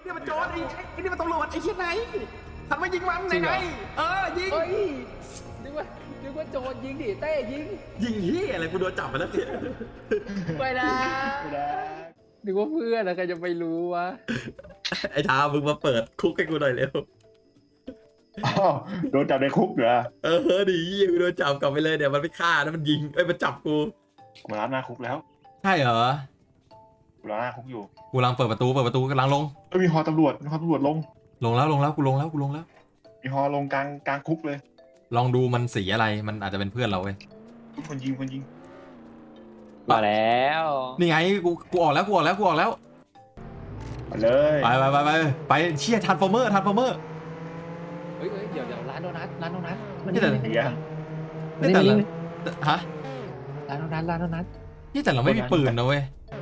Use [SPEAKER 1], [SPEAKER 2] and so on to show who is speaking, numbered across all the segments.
[SPEAKER 1] เนี่ยมันโจรไอ้นี่มันตำรวจไอ้เชี่ยไหนหันมายิงมันไหนยิง
[SPEAKER 2] เฮ้ยนึกว่าโจรยิงดิเต้ยิง
[SPEAKER 1] ยิงเฮียอะไรกูโดนจับไปแล้วเนี่ย
[SPEAKER 2] ไปนะนึกว่าเพื่อนนะใครจะไปรู้วะ
[SPEAKER 1] ไอ้ทามึงมาเปิดคุกให้กูหน่อยเร็ว
[SPEAKER 3] อ้าวโดนจับในคุกเหรอ
[SPEAKER 1] ดีเฮียกูโดนจับกลับไปเลยเดี๋ยวมันไม่ฆ่านะมันยิงมันจับกู
[SPEAKER 3] มารับหน้าคุกแล้ว
[SPEAKER 1] ใช่เหรอ
[SPEAKER 3] กูรับหน้าคุกอยู่
[SPEAKER 1] กูกำลังเปิดประตูกำลังลง
[SPEAKER 3] มีฮอตำรวจลง
[SPEAKER 1] ลงแล้วกูลงแล้ว
[SPEAKER 3] มีฮอลงกลางคุกเลย
[SPEAKER 1] ลองดูมันสีอะไรมันอาจจะเป็นเพื่อนเราเว้ย
[SPEAKER 3] คนยิง
[SPEAKER 2] มาแล้ว
[SPEAKER 1] นี่ไงกูออกแล้ว
[SPEAKER 3] มาเลย
[SPEAKER 1] ไปเชี่ยทันฟอร์เมอร์
[SPEAKER 2] เฮ้ยเดี๋ยวร้านโดนัทมัน
[SPEAKER 1] นี่แต่
[SPEAKER 3] เหี้ย
[SPEAKER 1] นี่แต่ละฮะ
[SPEAKER 2] ร้านโดนัท
[SPEAKER 1] นี่แต่เราไม่มีปืนนะเว้ย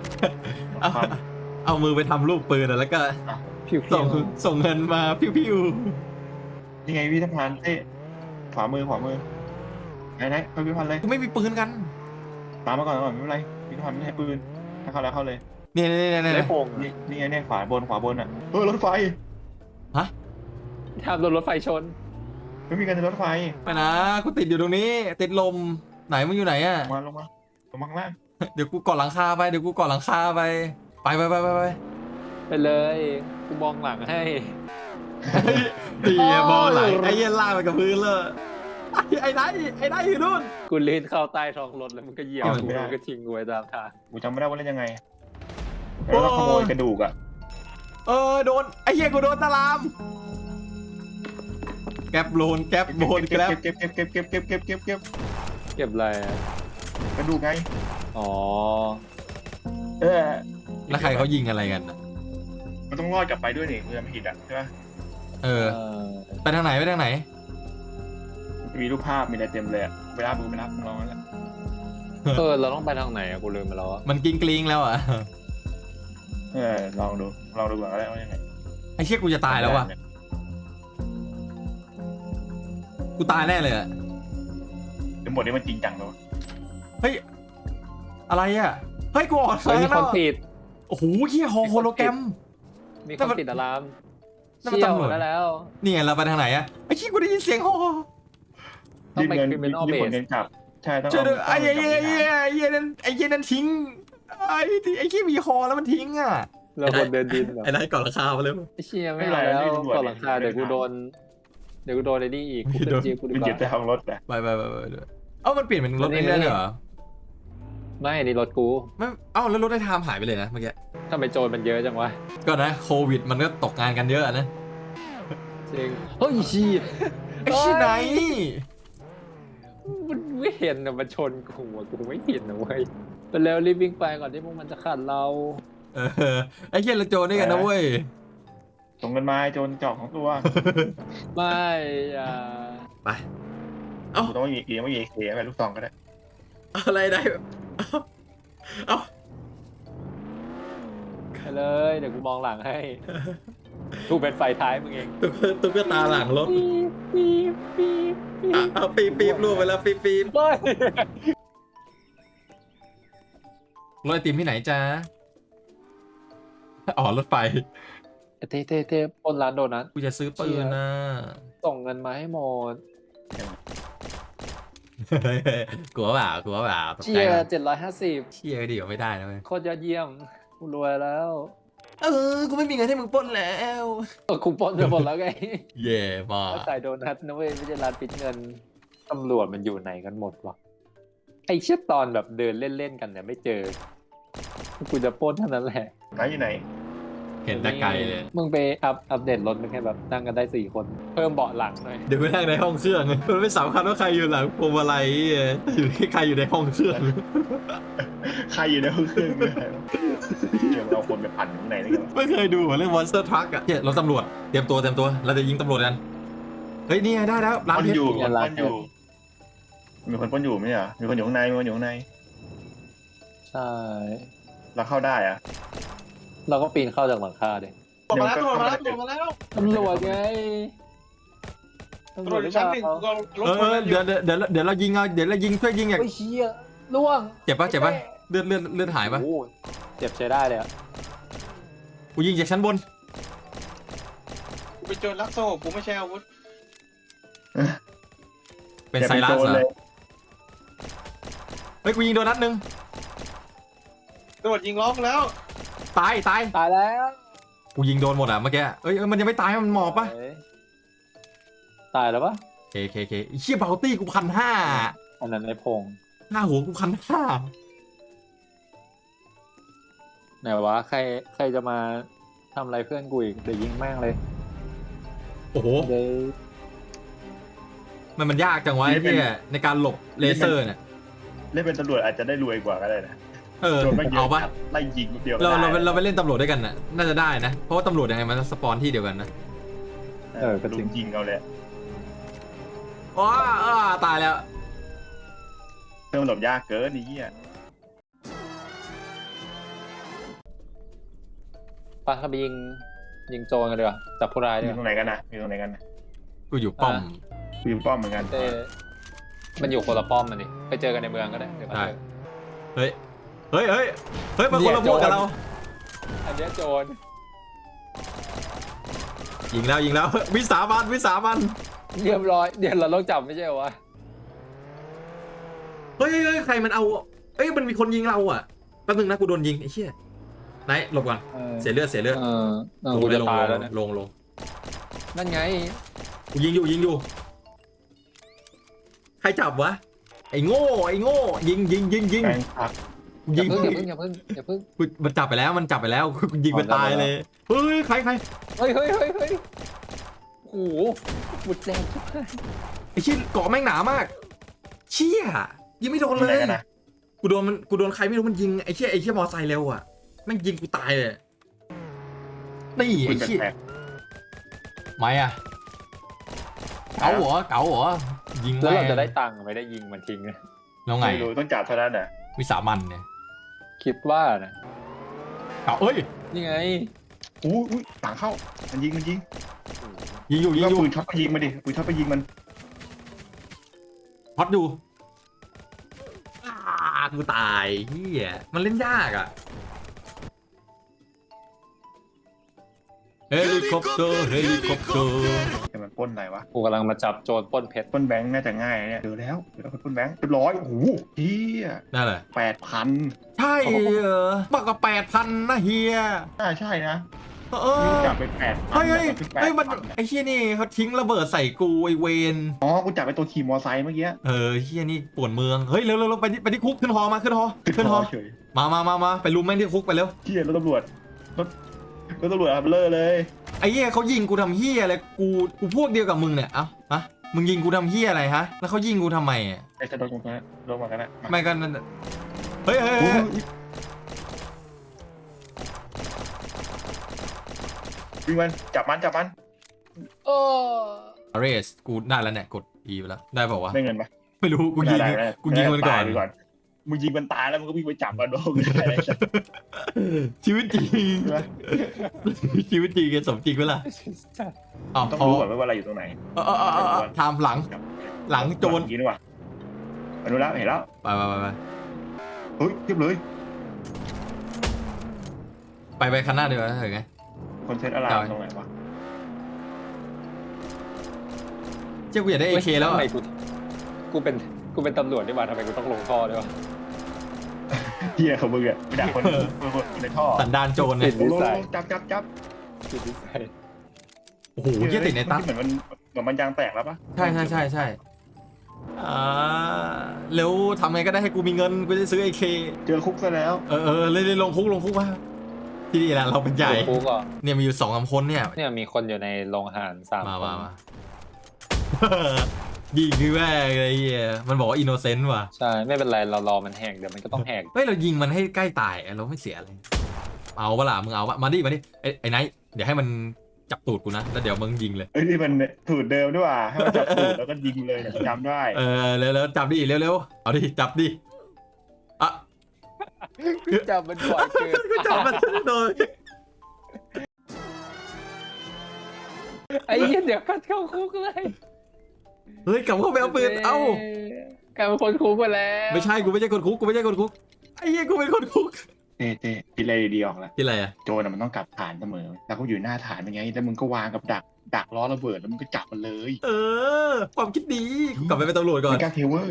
[SPEAKER 1] เอามือไปทำรูปปืนแล้วก็
[SPEAKER 2] ผิว
[SPEAKER 1] ส่งเงินมาพิว
[SPEAKER 3] นี่ไงพี่ทหารเต้ขวามือไหนไปพี่พันเลย
[SPEAKER 1] กูไม่มีปืนกัน
[SPEAKER 3] ตามมาก่อนไม่เป็นไรพี่ทหารไม่ใช้ปืนถ้าเข้าแล้วเข้าเลย
[SPEAKER 1] เนี่ย
[SPEAKER 2] ได้โป่ง
[SPEAKER 3] นี่ไงเนี่ยขวาบนอ่ะรถไฟ
[SPEAKER 2] ทำโดนรถไฟชน
[SPEAKER 3] ไม่มีการรถไฟ
[SPEAKER 1] ไปนะกูติดอยู่ตรงนี้ติดลมไหนมึงอยู่ไหนอะ
[SPEAKER 3] ลงมาข้างล่าง
[SPEAKER 1] เดี๋ยวกูก่อหลังคาไปไป
[SPEAKER 2] ไปเลยกูมองหลังให้
[SPEAKER 1] ดีบอลไหลไอ้เหี้ยลากไปกับพื้นเลยไอ้ได้อยู่นู่น
[SPEAKER 2] กูลื่นเข้าใต้ท้องรถแล้วมันก็เหยียบกูมันก็ทิ้งกูไว้ตามทาง
[SPEAKER 3] กูจำไม่ได้ว่าเล่นยังไงแล้วขโมยกระดูกอ่ะ
[SPEAKER 1] โดนไอ้เหี้ยกูโดนตะลามแก๊ปโลนแก๊ป
[SPEAKER 3] เก็บ
[SPEAKER 2] เก็บอะไรอะ
[SPEAKER 3] กระดูกไง
[SPEAKER 2] อ๋อ
[SPEAKER 1] แล้วใครเขายิงอะไรกัน
[SPEAKER 3] มันต้องรอดกลับไปด้วยนี่กูจำไม่ผิดอ่ะใช่ปะ
[SPEAKER 1] ไปทางไหน
[SPEAKER 3] มีรูปภาพมีอะไรเต็มเลยอะไปรับมึงลองแล้ว
[SPEAKER 2] เราต้องไปทางไหนอะกูลืมไปแล้วอะ
[SPEAKER 1] มันกลิ้งแล้วอ่ะ
[SPEAKER 3] ลองดูก่อนก็ได้ว่ายังไง
[SPEAKER 1] ไอ้เชี่ยกูจะตายแล้วว่ะกูตายแน่เลยอ่ะ
[SPEAKER 3] เดี๋ยวหมดนี้มันจริงจังเลย
[SPEAKER 1] เฮ้ยอะไรอ่ะเฮ้ยกูออก
[SPEAKER 2] มีคนติด
[SPEAKER 1] โอ้โหเหี้ยโฮโลแกรม
[SPEAKER 2] มีคนติดอะลาม
[SPEAKER 1] นั่นมัน
[SPEAKER 2] เชี่ยว
[SPEAKER 1] ตำรวจ
[SPEAKER 2] ได้แล้ว
[SPEAKER 1] นี่ไงเราไปทางไหนอะไอ้ขี้กูได้ยินเสียงโฮ
[SPEAKER 2] ต้องไป
[SPEAKER 3] รีบ
[SPEAKER 2] criminal
[SPEAKER 3] ผล
[SPEAKER 2] base
[SPEAKER 3] เงินกลับใช่ต้อง
[SPEAKER 1] ช่วยด้วย
[SPEAKER 3] เอา
[SPEAKER 1] ไอ้เหี้ยนั่นทิ้งไอ้ขี้มีฮอแล้วมันทิ้งอ่ะ
[SPEAKER 2] เราบนเดินดินเหรอ
[SPEAKER 1] ไอ้นายก่อนราคาไปเลย
[SPEAKER 2] ไอ้เชี่ยไม่เอาแล้วก่อนหลังคาเดี๋ยวกูโดนไอ้นี่อีกกูขึ้นจีกูดี
[SPEAKER 3] มัน
[SPEAKER 2] ก
[SPEAKER 3] เก็บแต่
[SPEAKER 2] ว่า
[SPEAKER 3] ห้องรถอะ
[SPEAKER 1] ไปเอ้ามันเปลี่ยนเป็นรถเองได้เหรอ
[SPEAKER 2] ไม่นี่รถกู
[SPEAKER 1] ไม่เอ้าแล้วรถได้ไทม์หายไปเลยนะเมื่อกี้
[SPEAKER 2] ทำไมโจรมันเยอะจังวะ
[SPEAKER 1] ก็นะโควิดมันก็ตกงานกันเยอะนะ
[SPEAKER 2] จริงเฮ้ยเชี่ย
[SPEAKER 1] ไอ้ขี้ไหน
[SPEAKER 2] มันไม่เห็นนะมันชนกูอะกูไม่เห็นนะเว้ยไปแล้วรีบวิ่งไปก่อนที่พวกมันจะขัดเรา
[SPEAKER 1] ไอ้ขี้ละโจนี่กันนะเว้ย
[SPEAKER 3] ส่งเงินมาโจรจอกของตัว
[SPEAKER 2] ไม่อ่า
[SPEAKER 1] ไปเอ้า
[SPEAKER 3] กูต้องยิงไม่ยิงเคไปลูกซองก็ได้
[SPEAKER 1] อะไรได้เอ้า
[SPEAKER 2] ไปเลยเดี๋ยวกูมองหลังให้กูเป็นไฟท้ายมึงเอง
[SPEAKER 1] ตุ๊กตาหลังรถ
[SPEAKER 2] ปี๊บ
[SPEAKER 1] เอาปีบรวมไปแล้วปีบ
[SPEAKER 2] เฮ้ย
[SPEAKER 1] รถไอติมที่ไหนจ๊ะอ๋อรถไฟ
[SPEAKER 2] เท่ปนร้านโดนัท
[SPEAKER 1] กูจะซื้อปืนนะ
[SPEAKER 2] ส่งเงินมาให้หมด
[SPEAKER 1] กลัวเปล่าตก
[SPEAKER 2] เชี
[SPEAKER 1] ใจ
[SPEAKER 2] ย
[SPEAKER 1] เปล่า
[SPEAKER 2] ร์750
[SPEAKER 1] เชียร์ดีกว่าไม่ได้นะเว้ย
[SPEAKER 2] โคตรยอดเยี่ยมกูรวยแล้ว
[SPEAKER 1] กูไม่มีเงินให้มึงปล้นแล้ว
[SPEAKER 2] กูปนไปหมดแล้วไง
[SPEAKER 1] เย่มา
[SPEAKER 2] ขายโดนัทนะเว้ยไม่ใช่ร้านปิดเงินตำรวจมันอยู่ไหนกันหมดวะไอ้เชี่ยตอนแบบเดินเล่นๆกันเนี่ยไม่เจอกูจะปล้นเท่านั้นแหละ
[SPEAKER 3] ไหนอยู่ไหน
[SPEAKER 1] เห็นแต่ไกลเลย
[SPEAKER 2] มึงไปอัปเดตรถมันแค่แบบนั่งกันได้4 คนเพิ่มเบาะหลังหน่อย
[SPEAKER 1] เดี๋ยวกูนั่งในห้องเครื่องมันไม่สำคัญว่าใครอยู่หลังพวงมาลัยอยู่ที่ใครอยู่ในห้องเครื่อง
[SPEAKER 3] ใครอยู่ในห้องเครื่องเนี่ยเดี๋ยวเราคนไปปั่นข้างในนี่กัน
[SPEAKER 1] ไม่เคยดูเหรอเรื่อง Monster Truck อ่ะเนี่ยรถตำรวจเตรียมตัวเราจะยิงตำรวจกันเฮ้ยนี่ไงได้แล้วร้าน
[SPEAKER 3] ปล้น
[SPEAKER 1] เพช
[SPEAKER 3] อยู่
[SPEAKER 1] ร
[SPEAKER 3] มีคนปล้นอยู่ไม่ใช่เหรอมีคนอยู่ข้างใน
[SPEAKER 2] ใช่
[SPEAKER 3] เราเข้าได้อะ
[SPEAKER 2] เราก็ปีนเข้าจากหลังคาดิ
[SPEAKER 4] มาแล้วมาแล้ว
[SPEAKER 2] ตำรวจไงตำรวจหรือเป
[SPEAKER 4] ชั้น
[SPEAKER 2] ล่า
[SPEAKER 4] หนึ่งก็รถชนกันอ
[SPEAKER 1] เดี๋
[SPEAKER 4] ยู่
[SPEAKER 1] ยวเรายิงเอาเดี๋ยวเรายิงช่วยยิงอย่าง
[SPEAKER 2] โอ้ยเชี่ยล่วง
[SPEAKER 1] เจ็บปะเลือดหายปะ
[SPEAKER 2] โอ้โหเจ็บใช้ได้เลยอะ
[SPEAKER 1] กูยิงจากชั้นบน
[SPEAKER 4] เป็นโจรลักโซ่กูไม่ใช่อาวุธ
[SPEAKER 1] เป็นไซรัสเหรอเฮ้ยกูยิงโดนนัดนึง
[SPEAKER 4] ตำรวจยิงล้อมแล้ว
[SPEAKER 1] ตายตาย
[SPEAKER 2] ตายแล้ว
[SPEAKER 1] กูยิงโดนหมดอ่ะเมื่อกี้เอ้ยมันยังไม่ตายมันหมอบปะ
[SPEAKER 2] ตายแล้วปะ
[SPEAKER 1] เคไอ้เชี่ยเบลตี้กู1,500
[SPEAKER 2] อันนั้นในพง
[SPEAKER 1] หน้าหัวกู1,500
[SPEAKER 2] ไหนวะใครจะมาทำอะไรเพื่อนกูอีกเดี๋ยวยิงแม่งเลย
[SPEAKER 1] โอ้โห
[SPEAKER 2] เดี๋ยว
[SPEAKER 1] มันยากจังวะไอ้เหี้ยในการหลบเลเซอร์เนี่ย
[SPEAKER 3] เล่นเป็นตำรวจอาจจะได้รวยกว่าก็ได้นะ
[SPEAKER 1] เออ
[SPEAKER 3] โดนไม่เย
[SPEAKER 1] เอา
[SPEAKER 3] อะ
[SPEAKER 1] ปะ
[SPEAKER 3] ไล่ยิงเดียวก็
[SPEAKER 1] เรา
[SPEAKER 3] ได้
[SPEAKER 1] เราไปเล่นตำรวจด้วยกันน่ะน่าจะได้นะเพราะว่าตำรวจยังไงมันสปอนที่เดียวกันนะ
[SPEAKER 2] ก็จริง
[SPEAKER 3] ยิงเอาเลย
[SPEAKER 1] อ๋อตายแล้ว
[SPEAKER 3] เพิ่มหลบยากเกินนี่เหี้ย
[SPEAKER 2] ปะไปยิงโจรกันดีกว่าจับผู้ร้ายดี
[SPEAKER 3] อก ยู่
[SPEAKER 2] ว่า
[SPEAKER 3] ตรงไหนกันนะอยู่ตรงไหนกันนะ
[SPEAKER 1] กูอยู่ป้อม
[SPEAKER 3] กูอยู่ป้อมเหมือนกัน
[SPEAKER 2] เต้มันอยู่คนละป้อมมันดิไปเจอกันในเมืองก็ได้เดี๋ยวมา
[SPEAKER 1] ได้
[SPEAKER 2] เจอ
[SPEAKER 1] เฮ้ยมันคนละพวกกับเรา
[SPEAKER 2] อันเนี้ยโจร
[SPEAKER 1] ยิงแล้ววิสามัน
[SPEAKER 2] เรียบร้อยเดี๋ยวเราต้องจับไม่ใช่เหรอวะ
[SPEAKER 1] เฮ้ยใครมันเอาเอ้ยมันมีคนยิงเราอ่ะแป๊บนึงนะกูโดนยิงไอ้เชี่ยไหนหลบก่อนเสียเลือดลง
[SPEAKER 2] กู
[SPEAKER 1] เลย
[SPEAKER 2] จะตายแล้วเนี่ย
[SPEAKER 1] ลง
[SPEAKER 2] นั่นไง
[SPEAKER 1] กูยิงอยู่ใครจับวะไอ้โง่ยิง
[SPEAKER 3] แฟนคลับ
[SPEAKER 1] ยิง
[SPEAKER 2] อย่าเพิ่ง
[SPEAKER 1] กูมันจับไปแล้วกูยิงมันตายเลยเฮ้ยใคร
[SPEAKER 2] เฮ้ยโอ้โหหมุดแดงทุกท่าน
[SPEAKER 1] ไอ้เชี่ยเกาะแม่งหนามากเชี่ยยิงไม่โดน
[SPEAKER 3] ตรง
[SPEAKER 1] เล
[SPEAKER 3] ไหน
[SPEAKER 1] ย
[SPEAKER 3] กันนะ
[SPEAKER 1] กูโดนใครไม่รู้มันยิงไอ้เชี่ยมอไซค์เร็วอ่ะแม่งยิงกูตายเลยนี่
[SPEAKER 3] คุ
[SPEAKER 1] ไอ้
[SPEAKER 3] ณ
[SPEAKER 1] เชี่ย
[SPEAKER 3] แปลก
[SPEAKER 1] ไม่อะเก๋าเหรอยิง
[SPEAKER 2] แล้วเรา
[SPEAKER 1] ม่
[SPEAKER 2] จะได้ตังค์ไม่ได้ยิงมันทิ้งนะ
[SPEAKER 1] แล้วไง
[SPEAKER 3] ไม่รู้ต้องจับเท่านั้นอ่ะ
[SPEAKER 1] วิสามันเนี่ย
[SPEAKER 2] คิดว่านะ
[SPEAKER 1] เก๋าเอ้ย
[SPEAKER 2] นี่ไง
[SPEAKER 3] อู้ต่างเข้ามันยิง
[SPEAKER 1] ยิงอยู่
[SPEAKER 3] ก็ปืนช็อตไปยิงมันดิปืนช็อตไปยิงมัน
[SPEAKER 1] ฮอตอยู่กูตายเฮียมันเล่นยากอ่ะเฮลิคอปเตอร์
[SPEAKER 3] แต่มันปล้นอะไรวะ
[SPEAKER 2] กูกำลังมาจับโจรปล้นเพชร
[SPEAKER 3] ปล้นแบงค์น่าจะง่ายนะเนี่ยเจอแล้วคนปล้นแบงค์เรียบร้อยโอ้โหเฮีย
[SPEAKER 1] นั่นแหละ
[SPEAKER 3] 8,000
[SPEAKER 1] ใช่เหรอมากกว่า8,000นะเฮีย
[SPEAKER 3] ใช่นะ
[SPEAKER 1] เ
[SPEAKER 3] จับไป8,000
[SPEAKER 1] เฮ้ย
[SPEAKER 3] คือ
[SPEAKER 1] เฮ้ยมัน
[SPEAKER 3] 8,000
[SPEAKER 1] ไอ้เฮียนี่เขาทิ้งระเบิดใส่กูไอเวน
[SPEAKER 3] อ๋อกูจับไปตัวขี่มอไซค์เมื่อกี้
[SPEAKER 1] เฮียนี่ป่วนเมืองเฮ้ยเร็วไปที่คุกขึ้นหอมาขึ้นหอ
[SPEAKER 3] เฉย
[SPEAKER 1] มาไปลุมแม่งที่คุกไปเร็ว
[SPEAKER 3] เฮียรถตำรวจรถตำรวจอับเลอร์เลย
[SPEAKER 1] ไอ้เฮียเขายิงกูทำเฮียอะไรกูพวกเดียวกับมึงเนี่ยเอ้าฮะมึงยิงกูทำเฮียอะไรฮะแล้วเขายิงกูทำไมอ่ะ
[SPEAKER 3] ไอ้กระโดดลงมาลงมากันนะ
[SPEAKER 1] ไม่กันนั่นเฮ้ย
[SPEAKER 3] วิ่งมันจับมัน
[SPEAKER 2] โอ้
[SPEAKER 1] เรสกูได้แล้วเนี่ยกด E ไปแล้วได้เปล่าวะ
[SPEAKER 3] ได้เงินปะ
[SPEAKER 1] ไม่รู้กูยิงมันก่อน
[SPEAKER 3] มึงยิงมันตายแล้วมึงก็วิ่งไปจับมันโดน
[SPEAKER 1] ชีวิตจริงชีวิตจริงสมจริงเวล่ะอ๋อ
[SPEAKER 3] ต้อง
[SPEAKER 1] พอ
[SPEAKER 3] รู้ก่อนว่าอะไรอยู่ตรงไหน
[SPEAKER 1] ทำหลังโจร
[SPEAKER 3] ยิงดีกว่ามาดูแล้วเห็นแล้ว
[SPEAKER 1] ไป
[SPEAKER 3] เฮ้ยเทียบเลย
[SPEAKER 1] ไปคันหน้าดีกว่าเห็นไง
[SPEAKER 3] คนเซตอะไรตรงไหนวะ
[SPEAKER 1] เจ้ากูอยากได้ AK แล้ว
[SPEAKER 2] ทำไมกูเป็นตำรวจดีกว่าทำไมกูต้องลงท่อด้วยวะ
[SPEAKER 3] เฮียเขามึงอ่ะไปด่าคนในท่อ
[SPEAKER 1] สันดานโจรเนี่ย
[SPEAKER 3] จับ
[SPEAKER 2] ผิดนิสัย
[SPEAKER 1] โอ้โหเยี่ยติดในตั๊ก
[SPEAKER 3] เหมือนมันยางแตกแล้วปะ
[SPEAKER 1] ใช่แล้วทำไงก็ได้ให้กูมีเงินกูจะซื้อ AK
[SPEAKER 3] เจอคุกซะแล้ว
[SPEAKER 1] เลยลงคุกมาที่นี่แหละเราเป็นใหญ่
[SPEAKER 2] กูก็
[SPEAKER 1] เนี่ยมีอยู่2-3คนเนี่ย
[SPEAKER 2] เนี่ยมีคนอยู่ในโรงอาหาร3 คน
[SPEAKER 1] มา ยิงคือแม่ไอ้เหี้ยมันบอกว่าอินโนเซนต์ว่ะ
[SPEAKER 2] ใช่ไม่เป็นไรเรารอมันแหกเดี๋ยวมันก็ต้องแหก
[SPEAKER 1] เฮ้ยเรายิงมันให้ใกล้ตายเราไม่เสียอะไรเอาปะล่ะมึงเอาปะมาดิไอ้ไนท์เดี๋ยวให้มันจับตูดกูนะแล้วเดี๋ยวมึงยิงเลย
[SPEAKER 3] เอ้ยนี่มันสูตรเดิมด้วยว่ะให้มันจับตูดแล้วก็ยิงเลยเนี่ยจำได้
[SPEAKER 1] แล้วจับดิเร็วเอาดิจับดิอ่ะ
[SPEAKER 2] จับมันบ่อยเกิน
[SPEAKER 1] ก็จับมันโดย
[SPEAKER 2] ไอ้เหี้ยเดี๋ยวก็เข้าคุกเลย
[SPEAKER 1] เฮ้ยกลับเข้าไปเอาปืนเอ้าก
[SPEAKER 2] ลายเป็นคนคุกไปแล้ว
[SPEAKER 1] ไม่ใช่กูไม่ใช่คนคุกไอ้เหี้ยกูเป็นคนคุก
[SPEAKER 3] เต้คิดอะไรดีออกแล้ว
[SPEAKER 1] ที่อะไรอ่ะ
[SPEAKER 3] โจรมันต้องกลับฐานเสมอแล้วก็อยู่หน้าฐานเป็นไงแล้วมึงก็วางกับดักดักล้อระเบิดแล้วมึงก็จับมันเลย
[SPEAKER 1] เออ ความคิดดีกูกลับไปเป็นตำรวจก่อน
[SPEAKER 3] ไม่กล้าเทเวอร์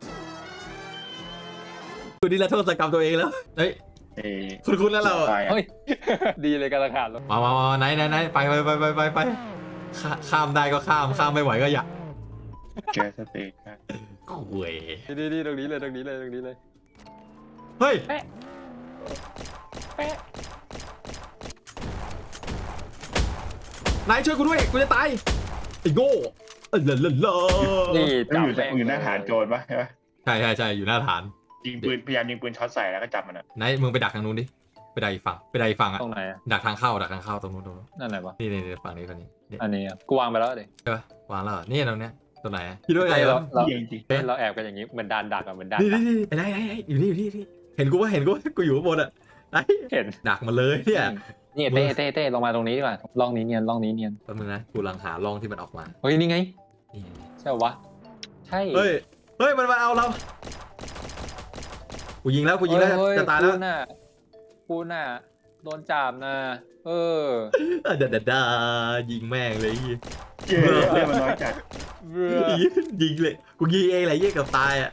[SPEAKER 1] กูนี่ละโทษกรรมตัวเองแล้วเฮ้ย
[SPEAKER 3] เอ้ย
[SPEAKER 1] คุณแล้วเรา
[SPEAKER 3] ตายอ่ะ
[SPEAKER 2] เฮ้ย ดีเลยการขาดแล้ว
[SPEAKER 1] มาไหนไปข้ามได้ก็ข้ามไม่ไหวก็อย่า
[SPEAKER 3] แกสเต็กครับ
[SPEAKER 1] คุย
[SPEAKER 2] ดีตรงนี้เลยตรงนี้เลย
[SPEAKER 1] เฮ้ย
[SPEAKER 2] แปะ
[SPEAKER 1] นายช่วยกูด้วยกูจะตายไอ้โง่เลอะ
[SPEAKER 2] นี่
[SPEAKER 3] ต้อง
[SPEAKER 2] จับ
[SPEAKER 3] อยู่หน้าฐานโจรปะใช่ปะ
[SPEAKER 1] ใช่อยู่หน้าฐาน
[SPEAKER 3] ยิงปืนพยายามยิงปืนช็อตใส่แล้วก็จับมันอ่ะ
[SPEAKER 1] นายมึงไปดักทางนู้นดิไปดักอีกฝั่งอะ
[SPEAKER 2] ตรงไหนอ่ะ
[SPEAKER 1] ดักทางเข้าตรงนู้น
[SPEAKER 2] นั่นไหนวะ
[SPEAKER 1] นี่ฝั่งนี้นี่
[SPEAKER 2] อันนี้อ่ะกูวางไปแล้วดิ
[SPEAKER 1] ใช่ปะวางแล้วเหรอนี่ตรงเนี้ยตัวไหนอะคิดว่าไง
[SPEAKER 2] เรา
[SPEAKER 1] วะ
[SPEAKER 2] เรา
[SPEAKER 3] ยิงจริง
[SPEAKER 2] เราแอบกันอย่างนี้เหมือนดานดักอ่ะเหมือนดาน
[SPEAKER 1] นี่
[SPEAKER 2] ดัก
[SPEAKER 1] ไอ้นายอยู่นี่เห็นกูอยู่ข้างบนอะไอ้
[SPEAKER 2] เห็น
[SPEAKER 1] ดักมาเลยเนี่ย
[SPEAKER 2] นี่เต้ลงมาตรงนี้ดีกว่าร่องนี้เนียน
[SPEAKER 1] แป๊บนึงนะกูกำลังหาร่องที่มันออกมา
[SPEAKER 2] เฮ้ยนี่ไง
[SPEAKER 1] นี่
[SPEAKER 2] ใช่วะใช่
[SPEAKER 1] เฮ้ยมันมาเอาเรากูยิงแล้วจะตายแล้ว
[SPEAKER 2] กูน่ะโดนจับนะเออ
[SPEAKER 1] ดายิงแม่งเลย
[SPEAKER 3] เจ๊เรื่องมันน้อยจัด
[SPEAKER 1] ยิงเลยกูยิงเองแหละกับตายอ่ะ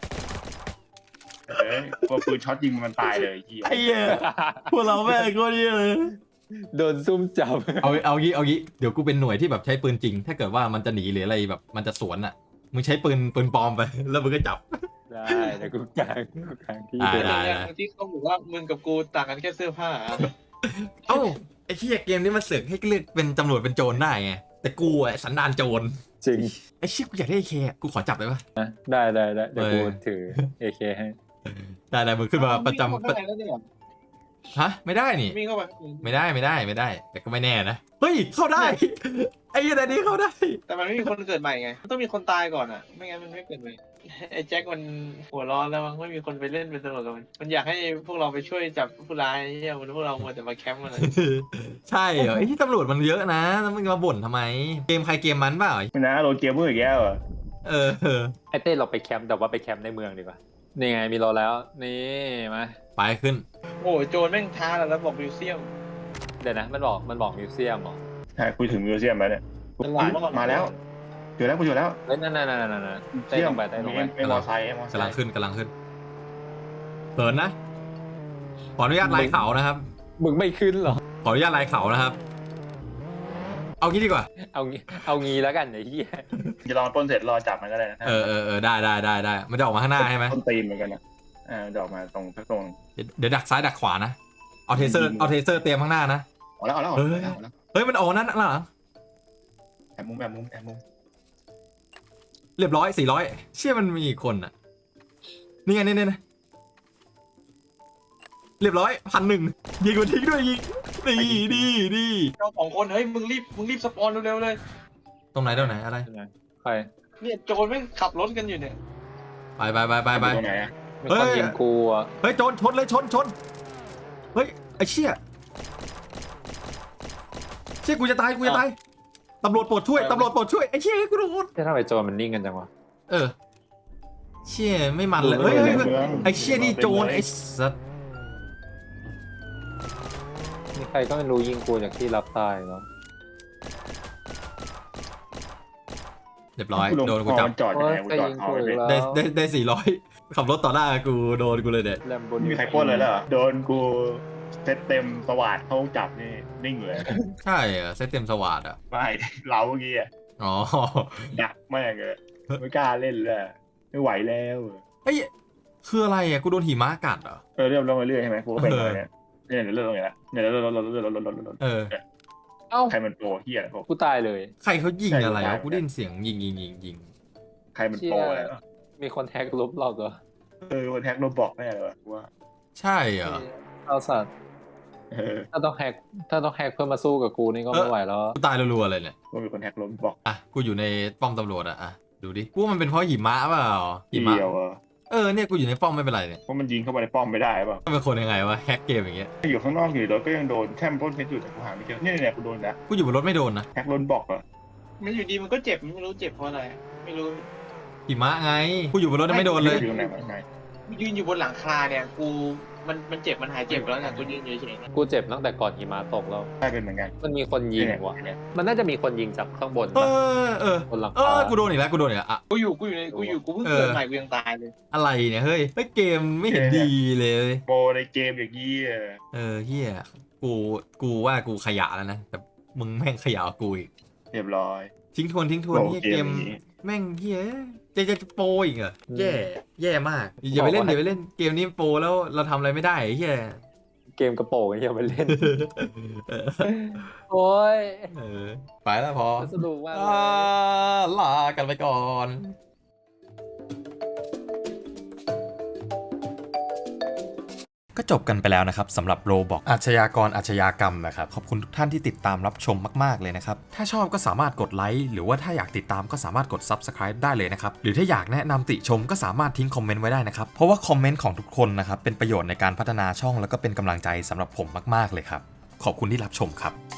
[SPEAKER 3] พอปืนช็อตยิงมันตายเลยไอ้เหี้ย
[SPEAKER 1] ไอ้เหี้ยพวกเราแม่งก็นี่เลย
[SPEAKER 2] โดนซุ่มจับ
[SPEAKER 1] เอางี้เดี๋ยวกูเป็นหน่วยที่แบบใช้ปืนจริง ถ้าเกิดว่ามันจะหนีหรืออะไรแบบมันจะสวนอ่ะมึงใช้ปืนปลอมไปแล้วมึงก็จับ
[SPEAKER 2] ได้แต่กูกลางที่
[SPEAKER 1] ได้
[SPEAKER 2] เดิน
[SPEAKER 4] อย่างที่เขาบอกว่ามึงกับกูต่างกันแค่เสื้อผ้าอะ
[SPEAKER 1] เอ้าไอ้ที่เกมนี้มันเสือกให้เลือกเป็นตำรวจเป็นโจรได้ไงแต่กูอ่ะสันดานโจร
[SPEAKER 2] จริง
[SPEAKER 1] ไอ้ชิบกูอยากได้เคกูขอจับได้ปะ
[SPEAKER 2] ได้เดี๋ยวกูถือ AK ให้
[SPEAKER 1] ได้มึงขึ้นมาประจำ
[SPEAKER 4] วิ่งเข้าไปแล้วเนี่ย
[SPEAKER 1] ฮะไม่ได้นี่
[SPEAKER 4] วิ่งเข้าไป
[SPEAKER 1] ไม่ได้แต่ก็ไม่แน่นะเฮ้ยเข้าได้ ไอ้ยันนี้เข้าได้
[SPEAKER 4] แต่มันไม่มีคนเกิดใหม่ไงมันต้องมีคนตายก่อนอ่ะไม่งั้นมันไม่เกิดใหม่ไอ้แจ็คมันหัวร้อนแล้วมั้งไม่มีคนไปเล่นเป็นตำรวจกับมันอยากให้พวกเราไปช่วยจับผู้ร้ายเนี่ยพวกเรามัวแต่มาแคมป์มันอะ
[SPEAKER 1] ใช่เหรอไอ้ที่ตำรวจมันเยอะนะแล้วมึงมาบ่นทำไมเกมใครเกมมันเปล่า
[SPEAKER 3] ไม่นะโรเกมเมอร์อีกแล้วอ่ะ
[SPEAKER 1] เออ
[SPEAKER 2] ไอเต้เราไปแคมป์แต่ว่าไปแคมป์ในเมืองดีกว่านี่ไงมีเราแล้วนี่มา
[SPEAKER 1] ไปขึ้น
[SPEAKER 4] โอ้โจรแม่งท้าเราแล้วบอกมิวเซียม
[SPEAKER 2] เดี๋ยวนะมันบอกมิวเซียมเหรอ
[SPEAKER 3] ใช่คุยถึงมิวเซียมแล้วเนี่ย
[SPEAKER 4] ตลาดเมื่อก่อน
[SPEAKER 3] มาแล้วเจอแล้วกูเจอแล้ว
[SPEAKER 2] เฮ้ยนั่นเต้ลงไป
[SPEAKER 3] ไม่มอไซค์มอไซ
[SPEAKER 1] กำลัง
[SPEAKER 3] ค์
[SPEAKER 1] ขึ้นเหินนะขออนุญาตไล่เขานะครับ
[SPEAKER 2] มึงไม่ขึ้นเหรอ
[SPEAKER 1] ขออนุญาตไล่เขานะครับ เอางี้ดีกว่า
[SPEAKER 2] เอางี้แล้วกันไอ้เหี้ย
[SPEAKER 3] จะลองปล้นเสร็จรอจับมันก็ได้นะ
[SPEAKER 1] เออได้มันจะออกมาข้างหน้าใช่ไหม
[SPEAKER 3] ต้นตีนเหมือนกันนะจะออกมาตรงสักตรง
[SPEAKER 1] เดี๋ยวดักซ้ายดักขวานะเอาเทเซอร์เตรียมข้างหน้านะ
[SPEAKER 3] เอาแล้ว
[SPEAKER 1] เฮ้ยมันออกนั่นหลัง
[SPEAKER 3] แอบมุม
[SPEAKER 1] เรียบร้อย400เชื่อมันมีอีกคนอ่ะนี่ไงเนี่ยเรียบร้อย1,100ยิงกูทิ้งด้วยยิงดี
[SPEAKER 4] เราสองคนเฮ้ยมึงรีบสปอนเร็วๆเลย
[SPEAKER 1] ตรงไหนอะไร
[SPEAKER 2] ใคร
[SPEAKER 4] เนี่ยโจรแม่งขับรถกันอยู่เนี่ย
[SPEAKER 1] ไป
[SPEAKER 3] ตรงไหนอ่ะ
[SPEAKER 2] มีคนยิงกูอ่ะ
[SPEAKER 1] เฮ้ยโจรชนเลยชนเฮ้ยไอ้เชี่ยกูจะตายตำรวจโปรดช่วยไอ้เชี่ยกูโดน
[SPEAKER 2] ทำไมโจรมันนิ่งกันจังวะ
[SPEAKER 1] เชี่ยไม่มันเลยเฮ้ยไอ้เชี่ยนี่โจรไอ้สัส
[SPEAKER 2] มีใครก็ไม่รู้ยิงกูจากที่รับตายเนาะ
[SPEAKER 1] เรียบร้อยโดนกูจับ
[SPEAKER 3] จอดยังไงกูจอดเอาเลย
[SPEAKER 1] ได้400ขับรถต่อหน้ากูโดนกูเลยเด็ด
[SPEAKER 2] แลมโบ
[SPEAKER 3] มีใครปล้นเลยเหรอโดนกูเซตเต็มสวัสดเขาจับนี่นิ่งเลย
[SPEAKER 1] ใช่เหรอเซตเต็มสวัสดอ่ะ
[SPEAKER 3] ไม่เราเมื่อกี้อ่ะ
[SPEAKER 1] อ๋อ
[SPEAKER 3] ดักแม่งเลยไม่กล้าเล่นเลยไม่ไหวแล้ว
[SPEAKER 1] เฮ้ยคืออะไรอ่ะกูโดนหิมะกัดเหรอ
[SPEAKER 3] เริ่มลงเรื่อยใช่ไหมกูก็เป็นเลยเนี่ยเริ่มลงอย่างนี้เนี่ยเริ่ม
[SPEAKER 1] เออ
[SPEAKER 2] เอ้า
[SPEAKER 3] ใครมันโปรเฮียพวก
[SPEAKER 2] กูตายเลย
[SPEAKER 1] ใครเขายิงอะไรอ่ะกูได้ยินเสียงยิง
[SPEAKER 3] ใครมันโปรอะไร
[SPEAKER 2] มีคนแฮกลบเราตัว
[SPEAKER 3] วันแท็กโรบอกแน่เลยวะว่า
[SPEAKER 1] ใช่เหรอ
[SPEAKER 2] เอาสัตว์ถ้าต้องแฮกเพื่อมาสู้กับกูนี่ก็ไม่ไหวแล้ว
[SPEAKER 1] กูตายรัวๆเลยเนี่ย
[SPEAKER 3] ว่ามีคนแท็กโรบอก
[SPEAKER 1] อ่ะกูอยู่ในป้อมตำรวจอ่ะดูดิกูว่ามันเป็นเพราะหิมะเปล่าหิมะ
[SPEAKER 3] เดียว
[SPEAKER 1] เนี่ยกูอยู่ในป้อมไม่เป็นไรเนี่ย
[SPEAKER 3] เพราะมันยิงเข้าไปในป้อมไม่ได้ป่ะ
[SPEAKER 1] เป็นคนยังไงวะแฮกเกมอย่างเงี้ย
[SPEAKER 3] อยู่ข้างนอกอยู่รถก็ยังโดนแค่ปล้นเพชรอยู่แต่กูหาไม่เจอเนี่ยกูโดนนะ
[SPEAKER 1] กูอยู่บนรถไม่โดนนะ
[SPEAKER 3] แท็กโรบอกอ่ะ
[SPEAKER 4] มันอยู่ดีมันก็เจ็บไม่รู้เจ็บเพราะอะไรไม่รู้
[SPEAKER 1] หิมะไงกูอยู่บนรถไม่โดนเลย
[SPEAKER 3] อยู่ตรงไหนวะไง
[SPEAKER 4] ยืนอยู่บนหลังคาเนี่ยกูมันเจ็บมันหายเจ็บแล้วเนี่ยกูยืนเฉยๆเนี่ย
[SPEAKER 2] กูเจ็บตั้งแต่ก่อนหิมะตกแล้ว
[SPEAKER 3] ได้เป็นเหมือนกัน
[SPEAKER 2] มันมีคนยิงว่ะมันน่าจะมีคนยิงจากข้างบน
[SPEAKER 1] เอ
[SPEAKER 2] ปะ
[SPEAKER 1] อบ
[SPEAKER 2] นหลังคา
[SPEAKER 1] กูโดนอีกแล้วอ่ะ
[SPEAKER 4] กูอยู่กูเพิ่งเกิดใหม่กูยังตายเลย
[SPEAKER 1] อะไรเนี่ยเฮ้ยเกมไม่เห็นดีเลย
[SPEAKER 3] โปรในเกมอย่างนี้อะ
[SPEAKER 1] เฮียกูว่ากูขยะแล้วนะแต่มึงแม่งขยะกว่ากูอีก
[SPEAKER 3] เรียบร้อย
[SPEAKER 1] ทิ้งทวน
[SPEAKER 3] โอ้
[SPEAKER 1] เฮีย
[SPEAKER 3] เก
[SPEAKER 1] เก
[SPEAKER 3] ม
[SPEAKER 1] ม
[SPEAKER 3] นี้
[SPEAKER 1] แม่งเฮียจะโปรอีกเหรอแย่มากอย่าไปเล่นเกมนี้โปรแล้วเราทำอะไรไม่ได้เฮีย
[SPEAKER 2] เกมกระโปรงไอ้เหี้ยไปเล่น โอ้ย
[SPEAKER 1] ไปแล้วพอ
[SPEAKER 2] สนุกมากเลย
[SPEAKER 1] ลากันไปก่อน ก็จบกันไปแล้วนะครับสำหรับโรบอกอาชญากรอาชญากรรมนะครับขอบคุณทุกท่านที่ติดตามรับชมมากๆเลยนะครับถ้าชอบก็สามารถกดไลค์หรือว่าถ้าอยากติดตามก็สามารถกด Subscribe ได้เลยนะครับหรือถ้าอยากแนะนำติชมก็สามารถทิ้งคอมเมนต์ไว้ได้นะครับเพราะว่าคอมเมนต์ของทุกคนนะครับเป็นประโยชน์ในการพัฒนาช่องแล้วก็เป็นกำลังใจสำหรับผมมากๆเลยครับขอบคุณที่รับชมครับ